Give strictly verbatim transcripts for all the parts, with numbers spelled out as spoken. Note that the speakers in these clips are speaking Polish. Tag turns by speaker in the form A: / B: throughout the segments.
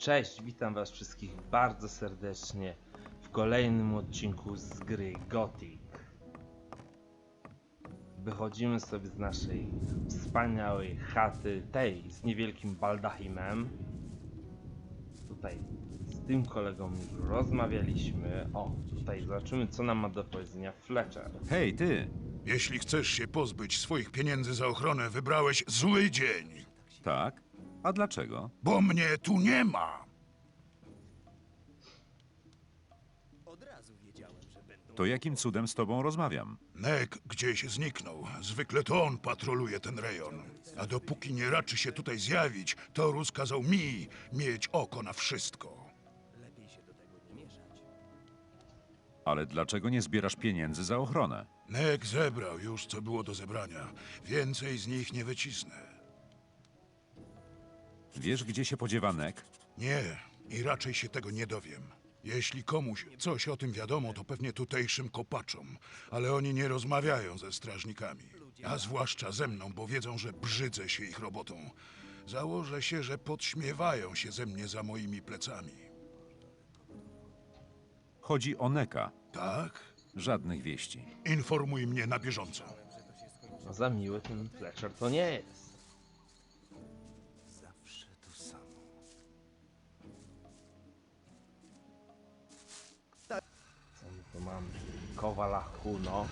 A: Cześć, witam was wszystkich bardzo serdecznie w kolejnym odcinku z gry Gothic. Wychodzimy sobie z naszej wspaniałej chaty, tej z niewielkim baldachimem. Tutaj z tym kolegą już rozmawialiśmy. O, tutaj zobaczymy, co nam ma do powiedzenia Fletcher.
B: Hej, ty!
C: Jeśli chcesz się pozbyć swoich pieniędzy za ochronę, wybrałeś zły dzień.
B: Tak? A dlaczego?
C: Bo mnie tu nie ma.
B: To jakim cudem z tobą rozmawiam?
C: Nek gdzieś zniknął. Zwykle to on patroluje ten rejon. A dopóki nie raczy się tutaj zjawić, Torus kazał mi mieć oko na wszystko.
B: Ale dlaczego nie zbierasz pieniędzy za ochronę?
C: Nek zebrał już, co było do zebrania. Więcej z nich nie wycisnę.
B: Wiesz, gdzie się podziewa Nek?
C: Nie, i raczej się tego nie dowiem. Jeśli komuś coś o tym wiadomo, to pewnie tutejszym kopaczom, ale oni nie rozmawiają ze strażnikami. A zwłaszcza ze mną, bo wiedzą, że brzydzę się ich robotą. Założę się, że podśmiewają się ze mnie za moimi plecami.
B: Chodzi o Neka.
C: Tak?
B: Żadnych wieści.
C: Informuj mnie na bieżąco.
A: No za miły ten Fletcher to nie jest. Co my tu mamy? Kowala Huno.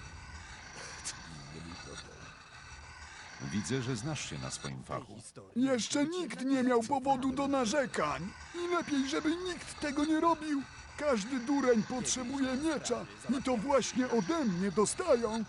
B: Widzę, że znasz się na swoim fachu.
D: Jeszcze nikt nie miał powodu do narzekań. I lepiej, żeby nikt tego nie robił. Każdy dureń potrzebuje miecza i to właśnie ode mnie dostają.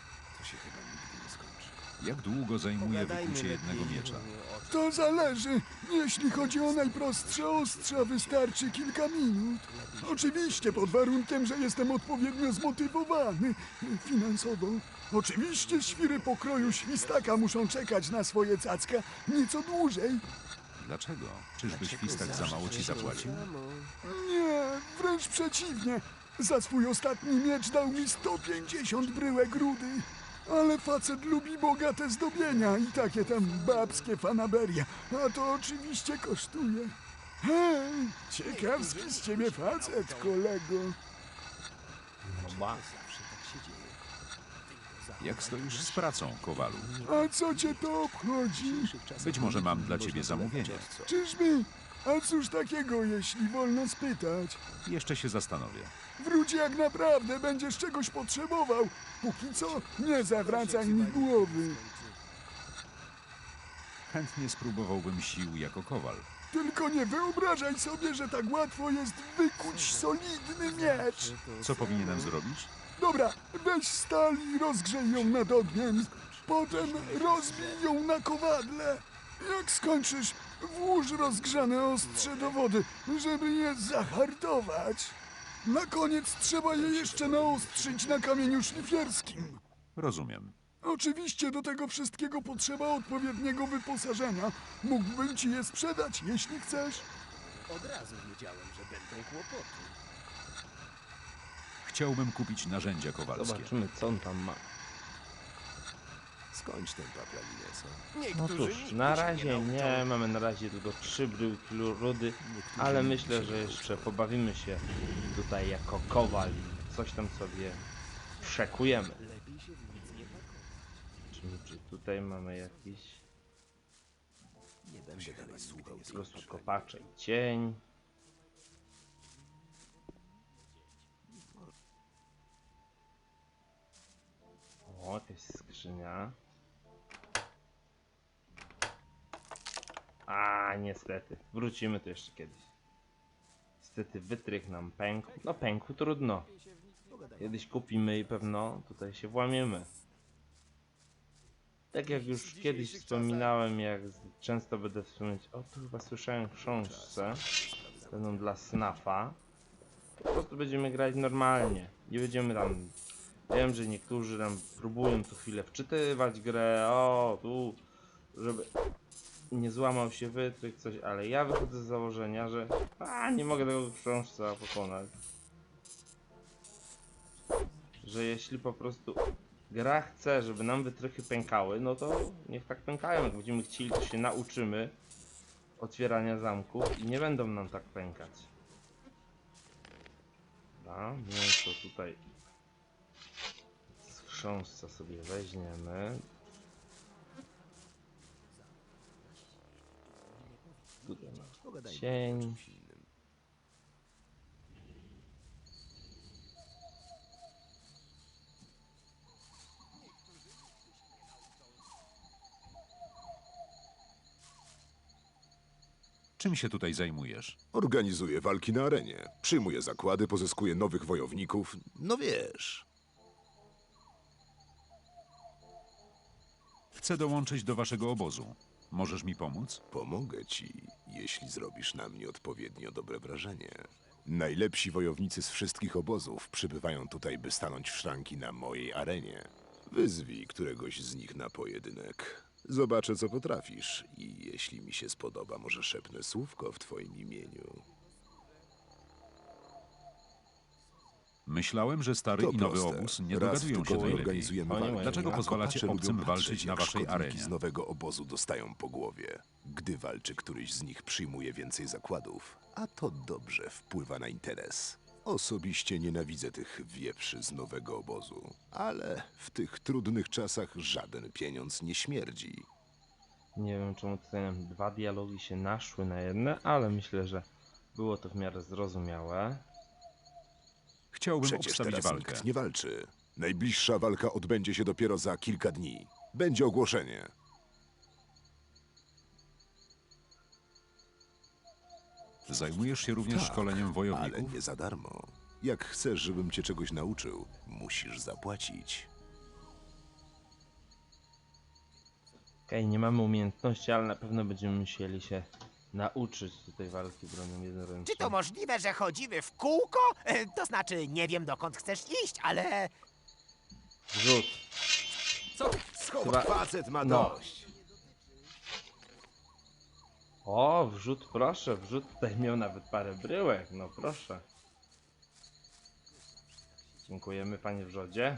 B: Jak długo zajmuje wykucie jednego miecza?
D: To zależy. Jeśli chodzi o najprostsze ostrza, wystarczy kilka minut. Oczywiście pod warunkiem, że jestem odpowiednio zmotywowany finansowo. Oczywiście świry pokroju świstaka muszą czekać na swoje cacka nieco dłużej.
B: Dlaczego? Czyżby świstak za mało ci zapłacił?
D: Nie, wręcz przeciwnie. Za swój ostatni miecz dał mi sto pięćdziesiąt bryłek rudy. Ale facet lubi bogate zdobienia i takie tam babskie fanaberia. A to oczywiście kosztuje. Hej, ciekawski z ciebie facet, kolego.
A: No ba.
B: Jak stoisz z pracą, Kowalu?
D: A co cię to obchodzi?
B: Być może mam dla ciebie zamówienie.
D: Czyżby? A cóż takiego, jeśli wolno spytać?
B: Jeszcze się zastanowię.
D: Wróć jak naprawdę będziesz czegoś potrzebował. Póki co nie zawracaj mi głowy.
B: Chętnie spróbowałbym sił jako kowal.
D: Tylko nie wyobrażaj sobie, że tak łatwo jest wykuć solidny miecz.
B: Co powinienem zrobić?
D: Dobra, weź stal i rozgrzej ją nad ogniem. Potem rozbij ją na kowadle. Jak skończysz, włóż rozgrzane ostrze do wody, żeby je zahartować. Na koniec trzeba je jeszcze naostrzyć na kamieniu szlifierskim.
B: Rozumiem.
D: Oczywiście do tego wszystkiego potrzeba odpowiedniego wyposażenia. Mógłbym ci je sprzedać, jeśli chcesz.
E: Od razu wiedziałem, że będą kłopoty.
B: Chciałbym kupić narzędzia kowalskie.
A: Zobaczymy, co on tam ma.
E: Skończ ten paplaninę, co?
A: No
E: Niektórzy
A: cóż,
E: nigdy
A: na
E: się
A: razie
E: nauczą.
A: nie, mamy na razie tylko trzy bryłki rudy, ale myślę, że jeszcze pobawimy się tutaj jako kowal i coś tam sobie przekujemy.
E: Lepiej się w nic nie pakować.
A: Czy, czy tutaj mamy jakiś
E: Nie będę dalej słuchał.
A: po prostu kopacze i cień. O, jakaś skrzynia. A, niestety. Wrócimy tu jeszcze kiedyś. Niestety wytrych nam pękł. No pękł, trudno. Kiedyś kupimy i pewno tutaj się włamiemy. Tak jak już kiedyś wspominałem, jak często będę wspominać, o tu chyba słyszałem w książce, będą dla snafa. Po prostu będziemy grać normalnie. Nie będziemy tam, wiem, że niektórzy tam próbują co chwilę wczytywać grę, o tu, żeby nie złamał się wytrych, coś, ale ja wychodzę z założenia, że a, nie mogę tego w książce pokonać. Że jeśli po prostu gra chce, żeby nam wytrychy pękały, no to niech tak pękają. Jak będziemy chcieli, to się nauczymy. otwierania zamków i nie będą nam tak pękać. Dobra, mięso tutaj z chrząstca sobie weźmiemy. Tutaj mamy
E: Pogadajmy o
A: cień.
E: czymś innym.
B: Czym się tutaj zajmujesz?
F: Organizuje walki na arenie, przyjmuje zakłady, pozyskuje nowych wojowników. No wiesz.
B: Chcę dołączyć do waszego obozu. Możesz mi pomóc?
F: Pomogę ci, jeśli zrobisz na mnie odpowiednio dobre wrażenie. Najlepsi wojownicy z wszystkich obozów przybywają tutaj, by stanąć w szranki na mojej arenie. Wyzwij któregoś z nich na pojedynek. Zobaczę, co potrafisz i jeśli mi się spodoba, może szepnę słówko w twoim imieniu.
B: Myślałem, że stary
F: To
B: i nowy
F: proste.
B: obóz nie
F: Raz w
B: dogadują się
F: tygodniu
B: najlepiej.
F: organizujemy
A: Oni
F: walki.
A: mają-
B: Dlaczego
F: a
B: pozwalacie
F: kopacze
B: obcym
F: lubią
B: walczyć
F: patrzeć,
B: na
F: jak
B: waszej
F: szkodniki
B: arenie?
F: z nowego obozu dostają po głowie. Gdy walczy któryś z nich, przyjmuje więcej zakładów, a to dobrze wpływa na interes. Osobiście nienawidzę tych wieprzy z nowego obozu, ale w tych trudnych czasach żaden pieniądz nie śmierdzi.
A: Nie wiem, czemu tutaj nam dwa dialogi się naszły na jedne, ale myślę, że było to w miarę zrozumiałe.
B: Chciałbym
F: Przecież
B: obstawić
F: teraz
B: walkę.
F: nikt nie walczy. Najbliższa walka odbędzie się dopiero za kilka dni. Będzie ogłoszenie.
B: Zajmujesz się również
F: Tak,
B: szkoleniem
F: ale
B: wojowników?
F: nie za darmo. Jak chcesz, żebym cię czegoś nauczył, musisz zapłacić.
A: Okej, nie mamy umiejętności, ale na pewno będziemy musieli się nauczyć tutaj walki bronią jednoręczną.
G: Czy to możliwe, że chodzimy w kółko? E, To znaczy, nie wiem dokąd chcesz iść, ale...
A: Rzut.
G: Co?
A: Chyba...
F: Facet ma
A: No. O, wrzut, proszę, wrzut tutaj miał nawet parę bryłek, no proszę. Dziękujemy, panie wrzodzie.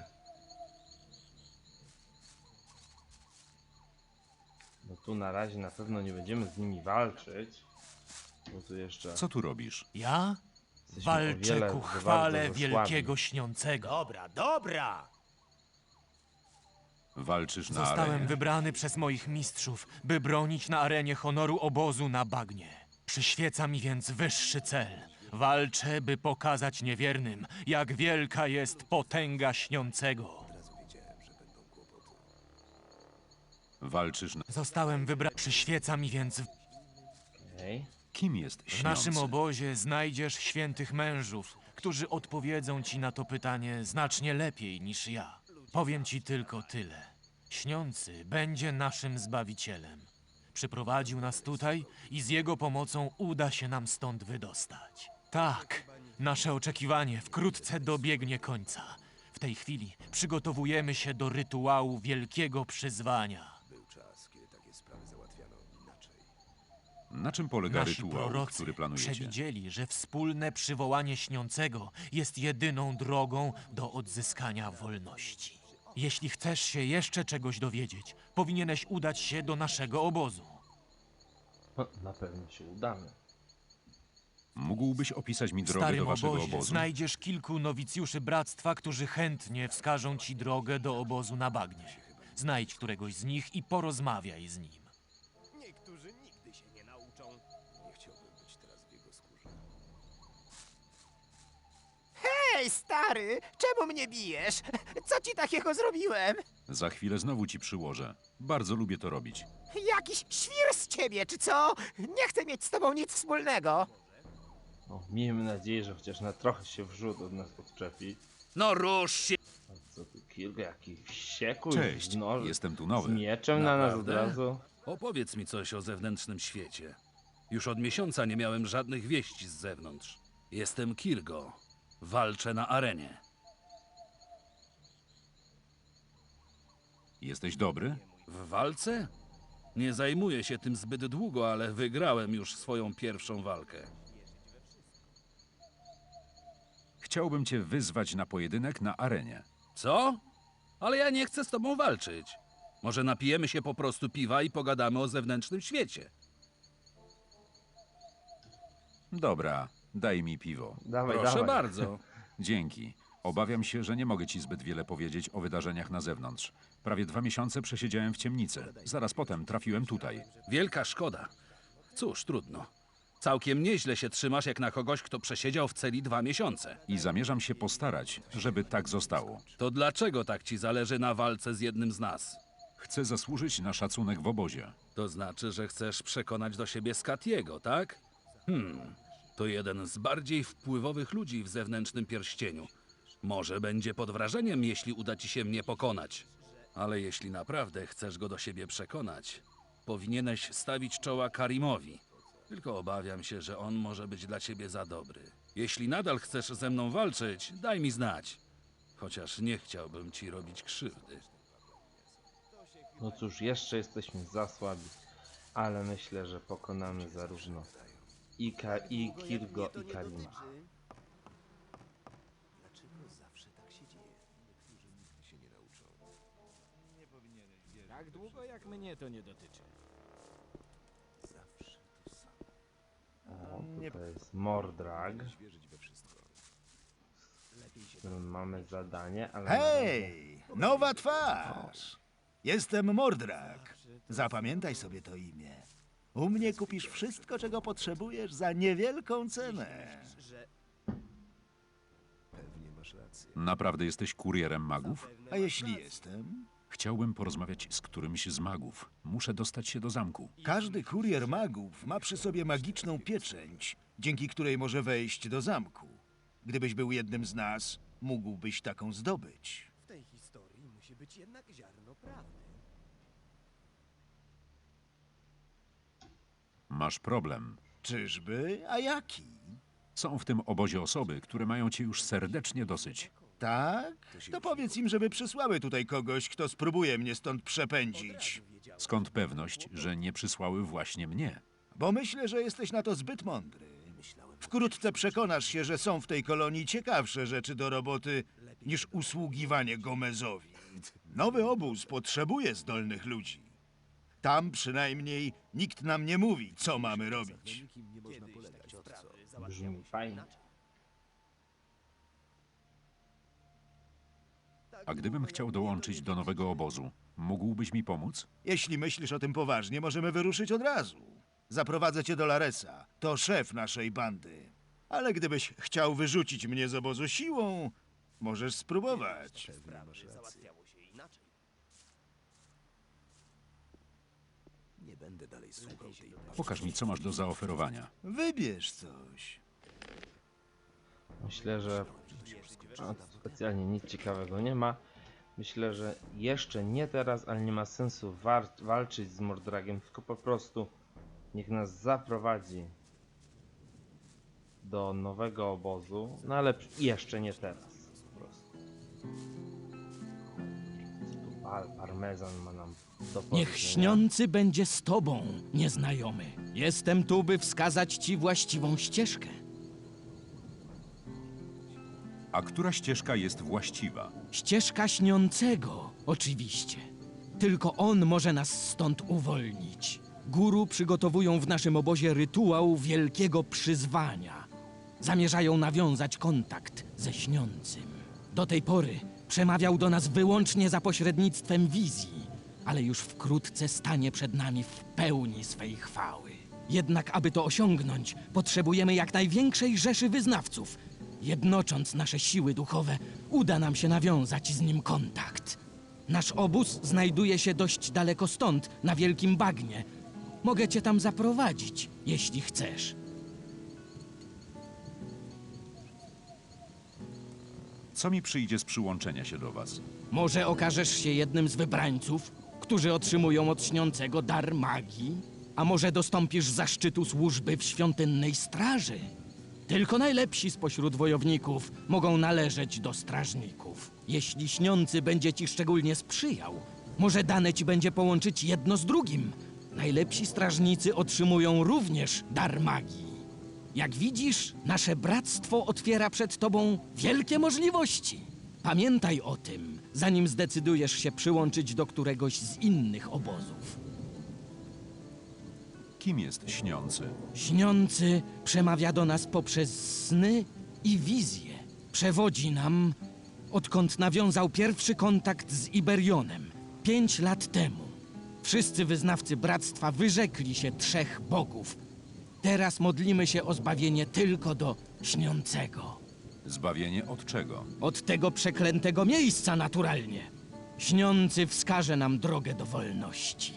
A: No tu na razie na pewno nie będziemy z nimi walczyć. Bo tu jeszcze
B: Co tu robisz?
H: Ja
A: jesteśmy o
H: walczę
A: wiele
H: ku
A: za
H: chwale
A: bardzo za
H: wielkiego
A: słabi.
H: śniącego.
G: Dobra, dobra!
B: Walczysz na
H: Zostałem
B: arenie?
H: wybrany przez moich mistrzów, by bronić na arenie honoru obozu na bagnie. Przyświeca mi więc wyższy cel. Walczę, by pokazać niewiernym, jak wielka jest potęga śniącego.
B: Walczysz na...
H: Zostałem wybrany. Przyświeca mi więc.
A: Okej.
B: Kim jest
H: W naszym
B: śniący?
H: obozie znajdziesz świętych mężów, którzy odpowiedzą ci na to pytanie znacznie lepiej niż ja. Powiem ci tylko tyle. Śniący będzie naszym Zbawicielem. Przyprowadził nas tutaj i z jego pomocą uda się nam stąd wydostać. Tak, nasze oczekiwanie wkrótce dobiegnie końca. W tej chwili przygotowujemy się do rytuału wielkiego przyzwania.
F: Był czas, kiedy takie sprawy załatwiano inaczej.
B: Na czym polega
H: Nasi
B: rytuał,
H: prorocy
B: który planujecie?
H: przewidzieli, że wspólne przywołanie śniącego jest jedyną drogą do odzyskania wolności. Jeśli chcesz się jeszcze czegoś dowiedzieć, powinieneś udać się do naszego obozu.
A: No, na pewno się udamy.
B: Mógłbyś opisać mi
H: W
B: drogę
H: starym
B: do waszego
H: obozie
B: obozu?
H: znajdziesz kilku nowicjuszy bractwa, którzy chętnie wskażą ci drogę do obozu na bagnie. Znajdź któregoś z nich i porozmawiaj z nim.
G: Niektórzy nigdy się nie nauczą.
F: Nie chciałbym być teraz w jego skórze.
G: Hej, stary! Czemu mnie bijesz? Co ci takiego zrobiłem?
B: Za chwilę znowu ci przyłożę. Bardzo lubię to robić.
G: Jakiś świr z ciebie, czy co? Nie chcę mieć z tobą nic wspólnego.
A: O, miejmy nadzieję, że chociaż na trochę się wrzut od nas odczepi.
I: No rusz się!
A: A co tu, Kilga, jaki wściekły,
B: Cześć,
A: z, noż,
B: jestem tu
A: z
B: nowy.
A: mieczem na nas od
I: Naprawdę?
A: razu.
I: Opowiedz mi coś o zewnętrznym świecie. Już od miesiąca nie miałem żadnych wieści z zewnątrz. Jestem Kirgo. Walczę na arenie.
B: Jesteś dobry?
I: W walce? Nie zajmuję się tym zbyt długo, ale wygrałem już swoją pierwszą walkę.
B: Chciałbym cię wyzwać na pojedynek na arenie.
I: Co? Ale ja nie chcę z tobą walczyć. Może napijemy się po prostu piwa i pogadamy o zewnętrznym świecie.
B: Dobra, daj mi piwo.
A: Dawaj,
I: Proszę
A: dawaj.
I: bardzo.
B: Dzięki. Obawiam się, że nie mogę ci zbyt wiele powiedzieć o wydarzeniach na zewnątrz. Prawie dwa miesiące przesiedziałem w ciemnicy. Zaraz potem trafiłem tutaj.
I: Wielka szkoda. Cóż, trudno. Całkiem nieźle się trzymasz jak na kogoś, kto przesiedział w celi dwa miesiące.
B: I zamierzam się postarać, żeby tak zostało.
I: To dlaczego tak ci zależy na walce z jednym z nas?
B: Chcę zasłużyć na szacunek w obozie.
I: To znaczy, że chcesz przekonać do siebie Skatiego, tak? Hmm, to jeden z bardziej wpływowych ludzi w zewnętrznym pierścieniu. Może będzie pod wrażeniem, jeśli uda ci się mnie pokonać. Ale jeśli naprawdę chcesz go do siebie przekonać, powinieneś stawić czoła Karimowi. Tylko obawiam się, że on może być dla ciebie za dobry. Jeśli nadal chcesz ze mną walczyć, daj mi znać. Chociaż nie chciałbym ci robić krzywdy.
A: No cóż, jeszcze jesteśmy za słabi, ale myślę, że pokonamy zarówno i, Ka i Kirgo, i Karima.
E: Tak długo jak mnie to nie dotyczy.
A: O, tutaj jest Mordrag, z którym mamy zadanie, ale... na razie-
J: Hej, nowa twarz! Jestem Mordrak. Zapamiętaj sobie to imię. U mnie kupisz wszystko, czego potrzebujesz za niewielką cenę.
B: Naprawdę jesteś kurierem magów?
J: A jeśli jestem?
B: Chciałbym porozmawiać z którymś z magów. Muszę dostać się do zamku.
J: Każdy kurier magów ma przy sobie magiczną pieczęć, dzięki której może wejść do zamku. Gdybyś był jednym z nas, mógłbyś taką zdobyć.
E: W tej historii musi być jednak ziarno prawdy.
B: Masz problem.
J: Czyżby? A jaki?
B: Są w tym obozie osoby, które mają cię już serdecznie dosyć.
J: Tak? To powiedz im, żeby przysłały tutaj kogoś, kto spróbuje mnie stąd przepędzić.
B: Skąd pewność, że nie przysłały właśnie mnie?
J: Bo myślę, że jesteś na to zbyt mądry. Wkrótce przekonasz się, że są w tej kolonii ciekawsze rzeczy do roboty niż usługiwanie Gomezowi. Nowy obóz potrzebuje zdolnych ludzi. Tam przynajmniej nikt nam nie mówi, co mamy robić.
A: Brzmi fajnie.
B: A gdybym chciał dołączyć do nowego obozu, mógłbyś mi pomóc?
J: Jeśli myślisz o tym poważnie, możemy wyruszyć od razu. Zaprowadzę cię do Laresa. To szef naszej bandy. Ale gdybyś chciał wyrzucić mnie z obozu siłą, możesz spróbować.
E: Załatwiało się inaczej. Nie będę dalej słuchał tej
B: Pokaż mi, co masz do zaoferowania.
J: Wybierz coś.
A: Myślę, że a, specjalnie nic ciekawego nie ma. Myślę, że jeszcze nie teraz, ale nie ma sensu walczyć z Mordragiem, tylko po prostu niech nas zaprowadzi do nowego obozu, no ale jeszcze nie teraz. Po prostu. Co tu par parmezan ma nam do powiedzenia?
K: Niech śniący będzie z tobą, nieznajomy. Jestem tu, by wskazać ci właściwą ścieżkę.
B: A która ścieżka jest właściwa?
K: Ścieżka śniącego, oczywiście. Tylko on może nas stąd uwolnić. Guru przygotowują w naszym obozie rytuał wielkiego przyzwania. Zamierzają nawiązać kontakt ze śniącym. Do tej pory przemawiał do nas wyłącznie za pośrednictwem wizji, ale już wkrótce stanie przed nami w pełni swej chwały. Jednak aby to osiągnąć, potrzebujemy jak największej rzeszy wyznawców. Jednocząc nasze siły duchowe, uda nam się nawiązać z nim kontakt. Nasz obóz znajduje się dość daleko stąd, na wielkim bagnie. Mogę cię tam zaprowadzić, jeśli chcesz.
B: Co mi przyjdzie z przyłączenia się do was?
K: Może okażesz się jednym z wybrańców, którzy otrzymują od śniącego dar magii? A może dostąpisz zaszczytu służby w świątynnej straży? Tylko najlepsi spośród wojowników mogą należeć do strażników. Jeśli śniący będzie ci szczególnie sprzyjał, może dane ci będzie połączyć jedno z drugim. Najlepsi strażnicy otrzymują również dar magii. Jak widzisz, nasze bractwo otwiera przed tobą wielkie możliwości. Pamiętaj o tym, zanim zdecydujesz się przyłączyć do któregoś z innych obozów.
B: Kim jest śniący?
K: Śniący przemawia do nas poprzez sny i wizje. Przewodzi nam, odkąd nawiązał pierwszy kontakt z Iberionem, pięć lat temu. Wszyscy wyznawcy Bractwa wyrzekli się trzech bogów. Teraz modlimy się o zbawienie tylko do Śniącego.
B: Zbawienie od czego?
K: Od tego przeklętego miejsca naturalnie. Śniący wskaże nam drogę do wolności.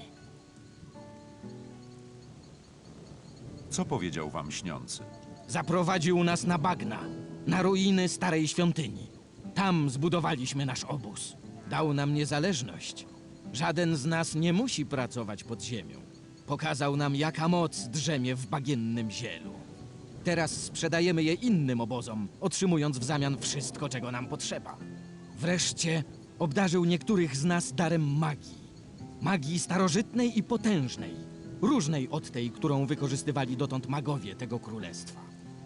B: Co powiedział wam śniący?
K: Zaprowadził nas na bagna, na ruiny starej świątyni. Tam zbudowaliśmy nasz obóz. Dał nam niezależność. Żaden z nas nie musi pracować pod ziemią. Pokazał nam, jaka moc drzemie w bagiennym zielu. Teraz sprzedajemy je innym obozom, otrzymując w zamian wszystko, czego nam potrzeba. Wreszcie obdarzył niektórych z nas darem magii. Magii starożytnej i potężnej. Różnej od tej, którą wykorzystywali dotąd magowie tego królestwa.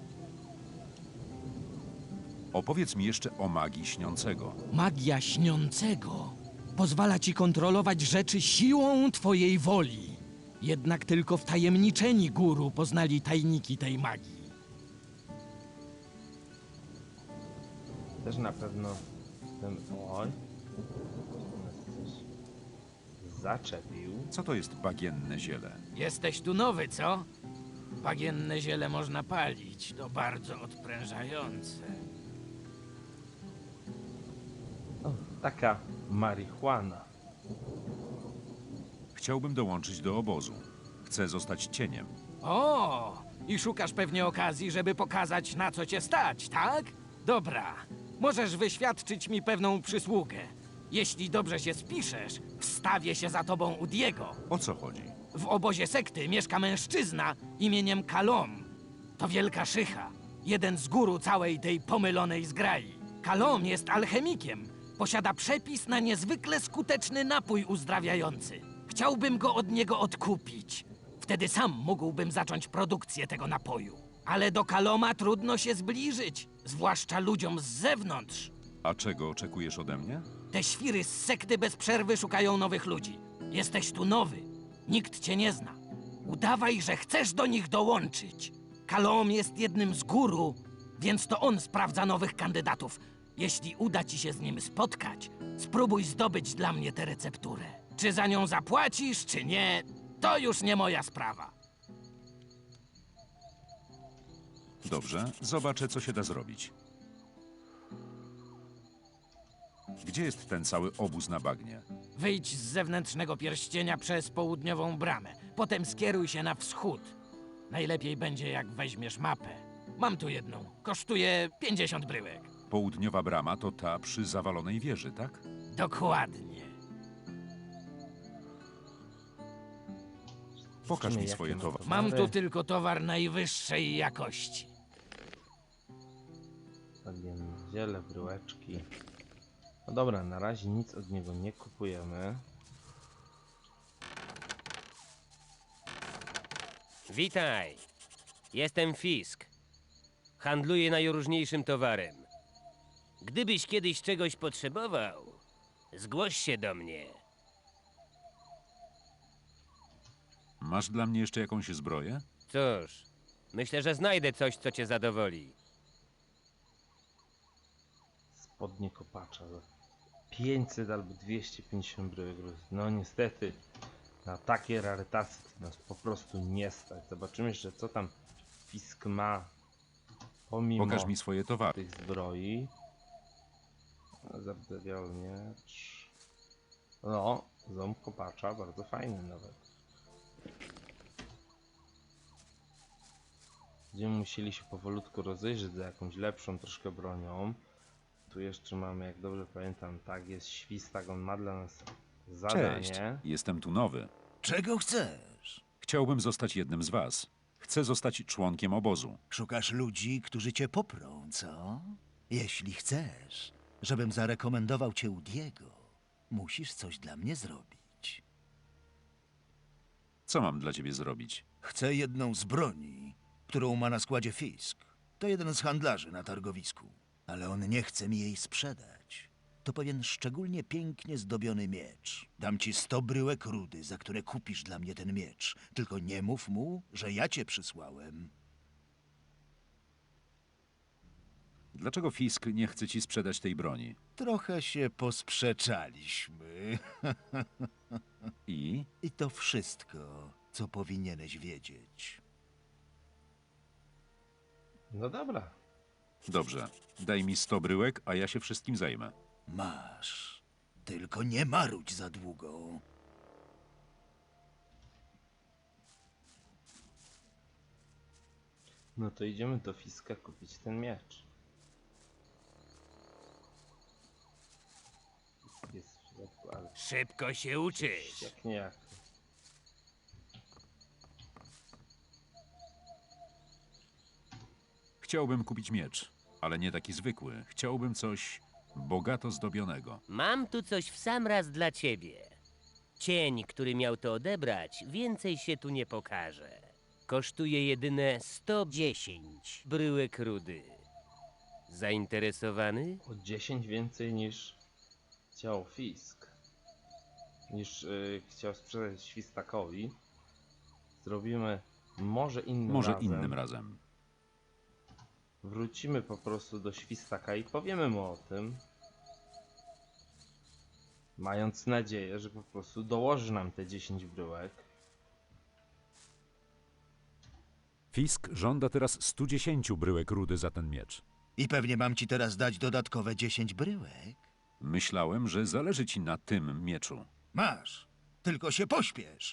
B: Opowiedz mi jeszcze o magii śniącego.
K: Magia Śniącego pozwala ci kontrolować rzeczy siłą twojej woli. Jednak tylko wtajemniczeni guru poznali tajniki tej magii.
A: Też na pewno ten... Oj. Nas coś zaczepił.
B: Co to jest bagienne ziele?
K: Jesteś tu nowy, co? Bagienne ziele można palić. To bardzo odprężające.
A: O, taka marihuana.
B: Chciałbym dołączyć do obozu. Chcę zostać cieniem.
K: O, i szukasz pewnie okazji, żeby pokazać, na co cię stać, tak? Dobra, możesz wyświadczyć mi pewną przysługę. Jeśli dobrze się spiszesz, wstawię się za tobą u Diego.
B: O co chodzi?
K: W obozie sekty mieszka mężczyzna imieniem Kalom. To wielka szycha, jeden z guru całej tej pomylonej zgrai. Kalom jest alchemikiem. Posiada przepis na niezwykle skuteczny napój uzdrawiający. Chciałbym go od niego odkupić. Wtedy sam mógłbym zacząć produkcję tego napoju. Ale do Kaloma trudno się zbliżyć, zwłaszcza ludziom z zewnątrz.
B: A czego oczekujesz ode mnie?
K: Te świry z sekty bez przerwy szukają nowych ludzi. Jesteś tu nowy. Nikt cię nie zna. Udawaj, że chcesz do nich dołączyć. Kalom jest jednym z guru, więc to on sprawdza nowych kandydatów. Jeśli uda ci się z nim spotkać, spróbuj zdobyć dla mnie tę recepturę. Czy za nią zapłacisz, czy nie, to już nie moja sprawa.
B: Dobrze, zobaczę, co się da zrobić. Gdzie jest ten cały obóz na bagnie?
K: Wyjdź z zewnętrznego pierścienia przez południową bramę. Potem skieruj się na wschód. Najlepiej będzie, jak weźmiesz mapę. Mam tu jedną. Kosztuje pięćdziesiąt bryłek.
B: Południowa brama to ta przy zawalonej wieży, tak?
K: Dokładnie.
B: Pokaż mi
A: Jakie
B: swoje
A: ma
B: towary.
K: Mam tu tylko towar najwyższej jakości.
A: Bagienne ziele, bryłeczki. No dobra, na razie nic od niego nie kupujemy.
L: Witaj. Jestem Fisk. Handluję najróżniejszym towarem. Gdybyś kiedyś czegoś potrzebował, zgłoś się do mnie.
B: Masz dla mnie jeszcze jakąś zbroję?
L: Cóż, myślę, że znajdę coś, co cię zadowoli.
A: Spodnie kopacza za pięćset albo dwieście pięćdziesiąt bryłek. No niestety, na takie rarytasy to nas po prostu nie stać. Zobaczymy jeszcze, co tam Fisk ma pomimo
B: Pokaż mi swoje towary.
A: tych zbroi. Zardzewiały miecz. No, ząb kopacza, bardzo fajny nawet. Będziemy musieli się powolutku rozejrzeć za jakąś lepszą troszkę bronią. Tu jeszcze mamy, jak dobrze pamiętam, tak, jest Świstak, on ma dla nas zadanie.
B: Cześć, jestem tu nowy.
J: Czego chcesz?
B: Chciałbym zostać jednym z was. Chcę zostać członkiem obozu.
J: Szukasz ludzi, którzy cię poprą, co? Jeśli chcesz, żebym zarekomendował cię u Diego, musisz coś dla mnie zrobić.
B: Co mam dla ciebie zrobić?
J: Chcę jedną z broni, którą ma na składzie Fisk. To jeden z handlarzy na targowisku, ale on nie chce mi jej sprzedać. to pewien szczególnie pięknie zdobiony miecz. Dam ci sto bryłek rudy, za które kupisz dla mnie ten miecz. Tylko nie mów mu, że ja cię przysłałem.
B: Dlaczego Fisk nie chce ci sprzedać tej broni?
J: Trochę się posprzeczaliśmy.
B: I?
J: I to wszystko, co powinieneś wiedzieć.
A: No dobra.
B: Dobrze. Daj mi sto bryłek, a ja się wszystkim zajmę.
J: Masz. Tylko nie marudź za długo.
A: No to idziemy do Fiska kupić ten miecz. Fisk jest w środku, ale
L: Szybko się uczysz.
A: jak nie jak.
B: Chciałbym kupić miecz, ale nie taki zwykły. Chciałbym coś bogato zdobionego.
L: Mam tu coś w sam raz dla ciebie. Cień, który miał to odebrać, więcej się tu nie pokaże. Kosztuje jedyne sto dziesięć bryłek rudy. Zainteresowany?
A: O dziesięć więcej niż chciał Fisk. Niż yy, chciał sprzedać Świstakowi. Zrobimy może innym
B: Może
A: razem.
B: innym razem.
A: Wrócimy po prostu do Świstaka i powiemy mu o tym. Mając nadzieję, że po prostu dołoży nam te dziesięć bryłek.
B: Fisk żąda teraz stu dziesięciu bryłek rudy za ten miecz.
J: I pewnie mam ci teraz dać dodatkowe dziesięć bryłek.
B: Myślałem, że zależy ci na tym mieczu.
J: Masz. Tylko się pośpiesz.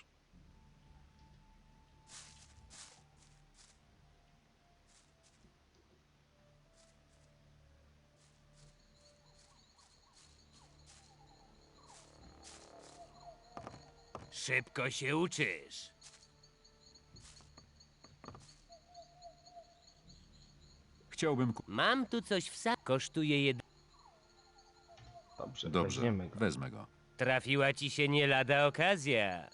L: Szybko się uczysz.
B: Chciałbym ku...
L: Mam tu coś w sam... Kosztuje jed...
A: Dobrze,
B: Dobrze,
A: weźmiemy go.
B: wezmę go.
L: Trafiła ci się nie lada okazja.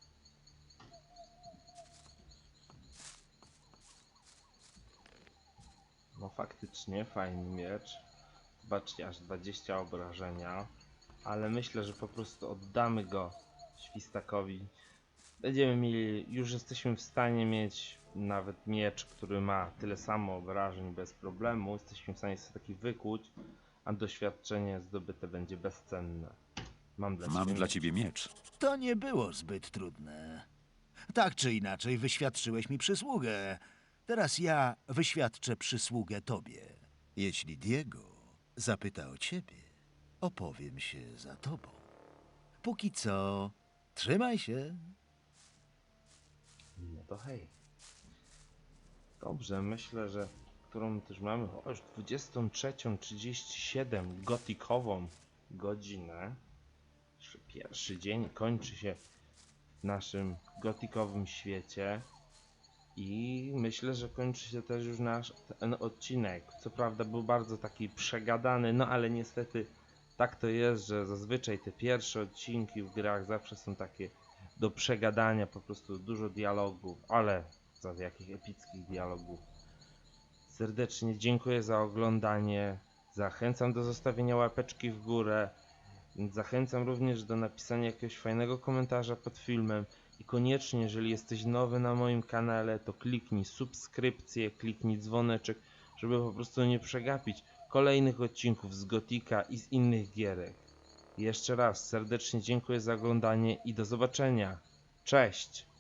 A: No faktycznie, fajny miecz. Zobaczcie, aż dwadzieścia obrażenia. Ale myślę, że po prostu oddamy go Świstakowi. Będziemy mieli, już jesteśmy w stanie mieć nawet miecz, który ma tyle samo obrażeń bez problemu. Jesteśmy w stanie sobie taki wykuć, a doświadczenie zdobyte będzie bezcenne. Mam dla
B: Mam
A: ciebie
B: dla
A: miecz.
B: ciebie miecz.
J: To nie było zbyt trudne. Tak czy inaczej, wyświadczyłeś mi przysługę. Teraz ja wyświadczę przysługę tobie. Jeśli Diego zapyta o ciebie, opowiem się za tobą. Póki co, trzymaj się.
A: No to hej. Dobrze, myślę, że którą też mamy o, już dwudziestą trzecią trzydzieści siedem gotikową godzinę. Jeszcze pierwszy dzień kończy się w naszym gotikowym świecie. I myślę, że kończy się też już nasz ten odcinek. Co prawda był bardzo taki przegadany, no ale niestety tak to jest, że zazwyczaj te pierwsze odcinki w grach zawsze są takie do przegadania, po prostu dużo dialogów, ale za jakich epickich dialogów. Serdecznie dziękuję za oglądanie, zachęcam do zostawienia łapeczki w górę, zachęcam również do napisania jakiegoś fajnego komentarza pod filmem i koniecznie, jeżeli jesteś nowy na moim kanale, to kliknij subskrypcję, kliknij dzwoneczek, żeby po prostu nie przegapić kolejnych odcinków z Gotika i z innych gierek. Jeszcze raz serdecznie dziękuję za oglądanie i do zobaczenia. Cześć!